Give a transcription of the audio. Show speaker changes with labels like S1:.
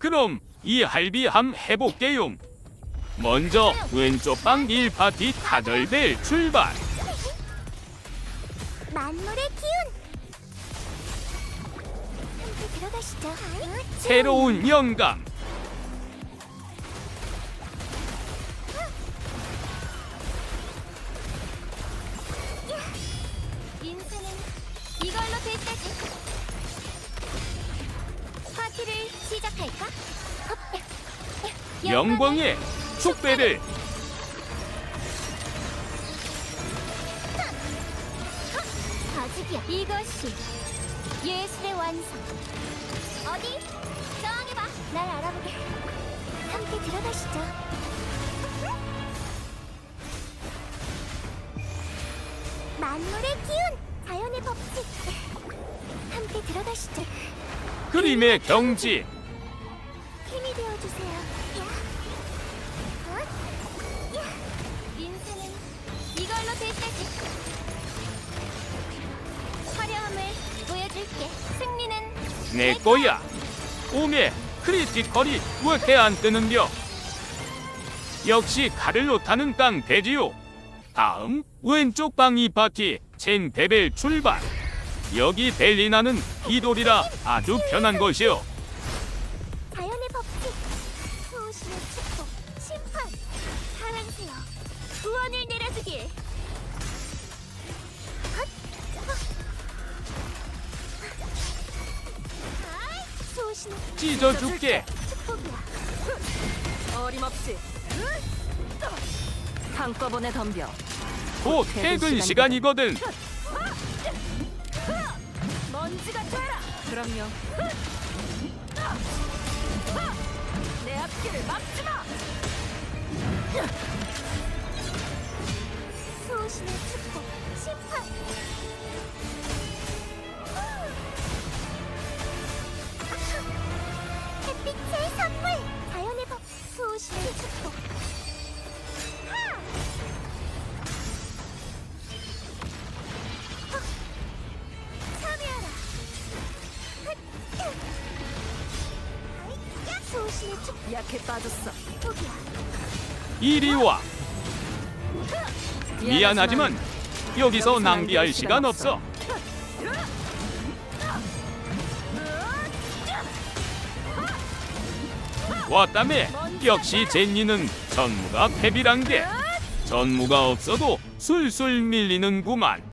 S1: 그럼 이 할비함 해볼게요. 먼저 왼쪽 방 1파티 타덜벨 출발.
S2: 만물의 기운. 함께 들어가시죠.
S1: 새로운 영감.
S2: 인생은 이걸로 될 때지. 파티를 시작할까?
S1: 영광의 축배를.
S2: 아직이야. 이것이 예술의 완성. 어디? 저항해봐. 날 알아보게. 함께 들어가시죠. 만물의 기운, 자연의 법칙. 함께 들어가시죠.
S1: 그림의 경지.
S2: 힘이 되어주세요. 인생은 이걸로 될 때지. 화려함을 보여줄게. 승리는
S1: 내 거야. 오메 크리티컬이 왜 안 뜨는겨? 역시 칼을 놓다는 깡패지요. 다음 왼쪽 방 2파티 첸베벨 출발. 여기 벨리나는 이돌이라 아주 편한 것이요.
S2: 자연의 법칙, 수호신의 축복, 심판, 사랑세요. 구원을 내려주길. 수호신의
S1: 찢어줄게.
S2: 축복이야.
S3: 어림없이 한꺼번에 덤벼.
S1: 곧 퇴근 시간이거든.
S3: 먼지가 되라. 그럼요. 내 앞길을 막지 마.
S2: 수호신의 축복, 심판. 햇빛의 선물, 자연의 법, 수호신의 축복. 하! 참여하라. 수호신의 축복.
S3: 약해 빠졌어.
S2: 축복이야.
S1: 이리 와. 미안하지만 여기서 낭비할 시간 없어. 왔다며. 역시 제니는 전무가 패비란 게. 전무가 없어도 술술 밀리는구만.